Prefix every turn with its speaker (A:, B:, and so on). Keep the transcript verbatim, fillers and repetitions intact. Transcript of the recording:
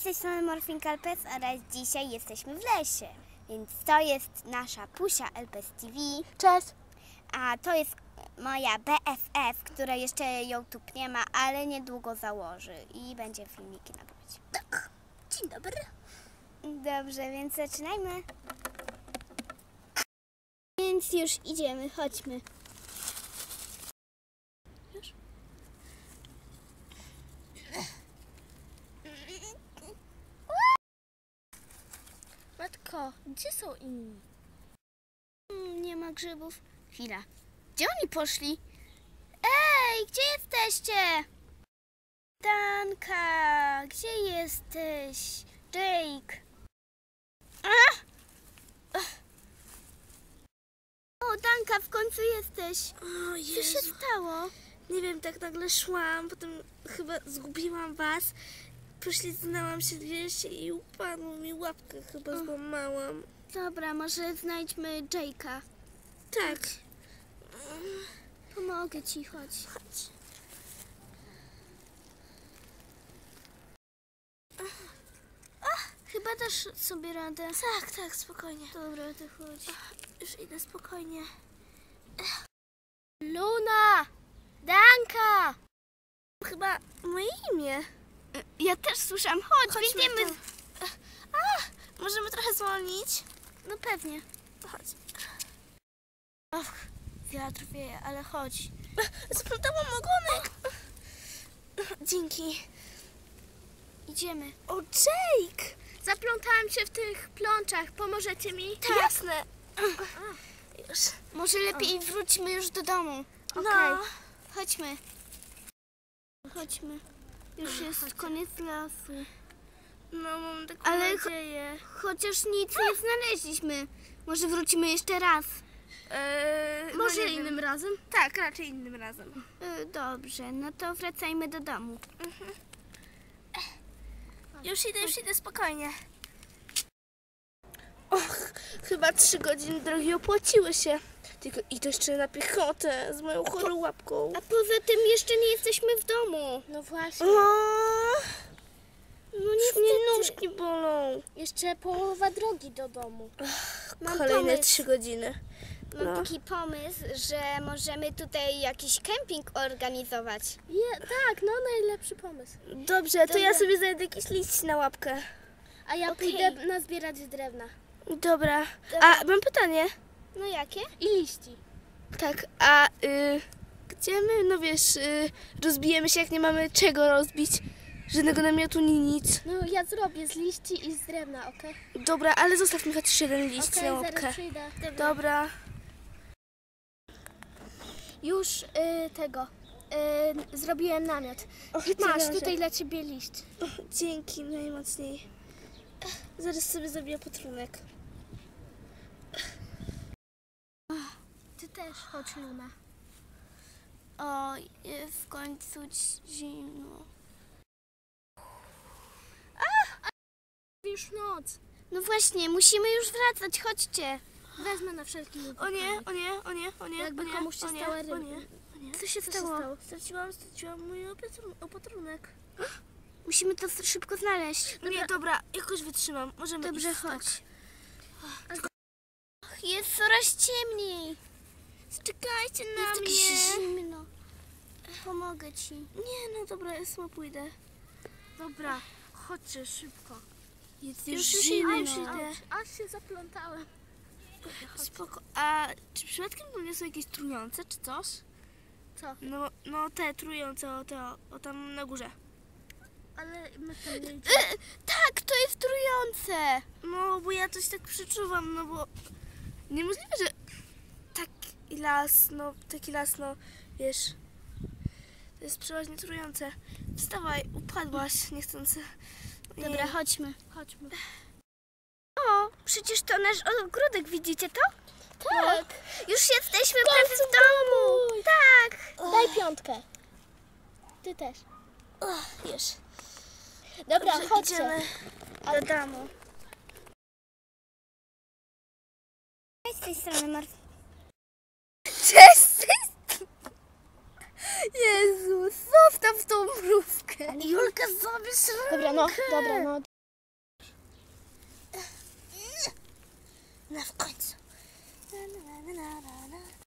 A: tej strony Morfinka Elpes oraz dzisiaj jesteśmy w lesie. Więc to jest nasza Pusia Elpes T V.
B: Cześć!
A: A to jest moja B F F, która jeszcze YouTube nie ma, ale niedługo założy i będzie filmiki nagrywać.
B: Tak. Dzień dobry.
A: Dobrze, więc zaczynajmy. Więc już idziemy, chodźmy.
B: Już? Matko, gdzie są inni?
A: Hmm, nie ma grzybów. Chwila. Gdzie oni poszli? Ej, gdzie jesteście? Danka, gdzie jesteś? Jake. A! O, Danka, w końcu jesteś.
B: O
A: Co
B: Jezu.
A: się stało?
B: Nie wiem, tak nagle szłam, potem chyba zgubiłam was. Poślizgnęłam się dwieście i upadło mi łapkę, chyba złamałam.
A: Dobra, może znajdźmy Jake'a.
B: Tak.
A: Pomogę ci, chodź.
B: Chodź.
A: Chyba dasz sobie radę.
B: Tak, tak, spokojnie.
A: Dobra, to chodź.
B: Już idę spokojnie.
A: Luna! Danka!
B: Chyba moje imię.
A: Ja też słyszałam. Chodź,
B: Chodźmy
A: biegniemy.
B: tu. A, możemy trochę zwolnić?
A: No pewnie.
B: Chodź.
A: Och, wiatr wieje, ale chodź.
B: Splątałam ogonek. Dzięki.
A: Idziemy.
B: O, Jake!
A: Zaplątałam się w tych plączach. Pomożecie mi?
B: Tak. Jasne. Już.
A: Może lepiej wróćmy już do domu.
B: No.
A: Okej. Chodźmy. Chodźmy. Już jest koniec lasu.
B: No, mam taką
A: Ale
B: nadzieję.
A: Chociaż nic nie znaleźliśmy. Może wrócimy jeszcze raz.
B: Eee,
A: Może
B: no nie
A: innym
B: wiem.
A: razem?
B: Tak, raczej innym razem.
A: E, Dobrze, no to wracajmy do domu.
B: Już idę, już idę, spokojnie. Och, chyba trzy godziny drogi opłaciły się. Tylko i to jeszcze na piechotę z moją chorą łapką.
A: A poza tym jeszcze nie jesteśmy w domu.
B: No właśnie.
A: No
B: Już mnie
A: niestety.
B: nóżki bolą.
A: Jeszcze połowa drogi do domu. Mam
B: Kolejne
A: pomysł.
B: trzy godziny.
A: Mam
B: No.
A: taki pomysł, że możemy tutaj jakiś kemping organizować.
B: Je, tak, no najlepszy pomysł. Dobrze, to
A: Dobra.
B: ja sobie znajdę jakiś liść na łapkę.
A: A ja
B: Okej.
A: pójdę nazbierać drewna.
B: Dobra.
A: Dobra.
B: A mam pytanie.
A: No jakie?
B: I liści. Tak, a y, gdzie my, no wiesz, y, rozbijemy się, jak nie mamy czego rozbić? Żadnego namiotu, ni nic.
A: No ja zrobię z liści i z drewna, okej?
B: Dobra, ale zostaw mi chociaż jeden liść
A: Okej,
B: na łapkę.
A: zaraz przyjdę.
B: Dobra.
A: Już y, tego, y, zrobiłem namiot.
B: Och,
A: I masz
B: Boże.
A: tutaj dla ciebie liść.
B: O, dzięki, najmocniej. Zaraz sobie zrobię potrunek.
A: Ty też chodź, Luna. O, jest w końcu zimno. A! Już noc. No właśnie, musimy już wracać, chodźcie. Wezmę na wszelki wypadek.
B: O nie, o nie, o nie, o nie,
A: Jakby
B: o nie,
A: komuś się
B: o nie,
A: stała
B: o
A: ryba.
B: nie, o nie.
A: Co się
B: Co
A: stało?
B: się stało? Straciłam, straciłam mój opatrun- opatrunek.
A: Musimy to szybko znaleźć.
B: No nie, dobra, jakoś wytrzymam. Możemy
A: Dobrze,
B: iść
A: chodź.
B: Tak.
A: Och, jest coraz ciemniej.
B: Czekajcie na
A: Jest tak
B: mnie.
A: zimno. Pomogę ci.
B: Nie, no dobra, ja sama pójdę.
A: Dobra, chodźcie szybko.
B: Jest
A: już
B: już
A: zimno.
B: zimno. Już idę.
A: Aż się zaplątałem.
B: Spoko. A czy przypadkiem to nie są jakieś trujące, czy coś?
A: Co?
B: No, no te trujące, o, te, o, o tam na górze.
A: Ale my tam nie idziemy. Tak, to jest trujące.
B: No, bo ja coś tak przeczuwam, no bo niemożliwe, że taki las, no, taki las, no, wiesz, to jest przeważnie trujące. Wstawaj, upadłaś niechcący. Ojej.
A: Dobra, chodźmy. Chodźmy. O, przecież to nasz ogródek, widzicie to?
B: Tak.
A: Już jesteśmy prawie w domu. Tak.
B: Daj
A: piątkę. Ty też.
B: Och, wiesz.
A: Dobra,
B: Dobrze,
A: chodźcie.
B: idziemy do domu.
A: Z tej strony Marf.
B: Cześć! Jezus, zostaw tą mrówkę.
A: Julka, zabierz rękę.
B: Dobra, no, dobra, no. w końcu. Na, na, na, na, na, na.